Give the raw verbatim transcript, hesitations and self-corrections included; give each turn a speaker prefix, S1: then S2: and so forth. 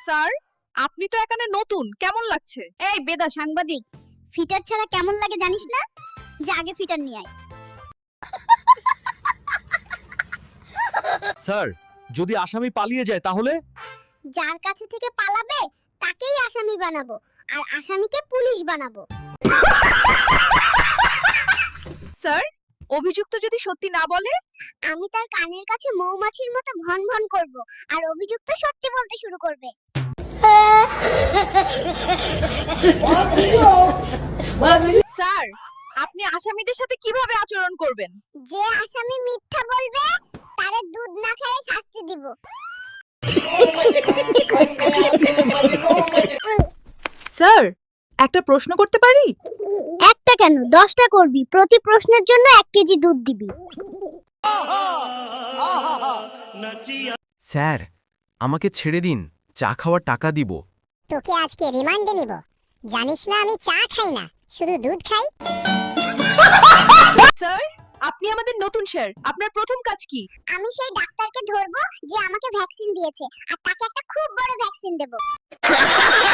S1: Sir, আপনি তো এখানে নতুন, কেমন লাগছে?
S2: এই বেদা সাংবাদিক, ফিটার ছাড়া কেমন লাগে জানিস না? যে আগে ফিটার নিয়ে আয়।
S3: স্যার, যদি আসামি পালিয়ে যায় তাহলে?
S2: যার কাছে থেকে পালাবে তাকেই আসামি বানাবো, আর আসামিকে পুলিশ বানাবো।
S1: স্যার, অভিযুক্ত যদি সত্যি না বলে?
S2: আমি তার কানের কাছে মৌমাছির মতো ভন ভন করব, আর অভিযুক্ত সত্যি বলতে শুরু করবে।
S1: স্যার, আপনি আসামিদের সাথে কিভাবে আচরণ করবেন?
S2: যে আসামি মিথ্যা বলবে তারে দুধ না খেয়ে শাস্তি দিব।
S1: স্যার, একটা প্রশ্ন করতে পারি?
S2: একটা কেন, দশটা করবি। প্রতি প্রশ্নের জন্য এক কেজি দুধ দিবি।
S4: স্যার, আমাকে ছেড়ে দিন, চা খাওয়ার টাকা দিব।
S2: তোকে আজকে রিমান্ডে নিব। জানিস না আমি চা খাই না, শুধু দুধ খাই।
S1: স্যার, আপনি আমাদের নতুন স্যার, আপনার প্রথম কাজ কি?
S2: আমি সেই ডাক্তারকে ধরবো যে আমাকে ভ্যাকসিন দিয়েছে, আর তাকে একটা খুব বড় ভ্যাকসিন দেব।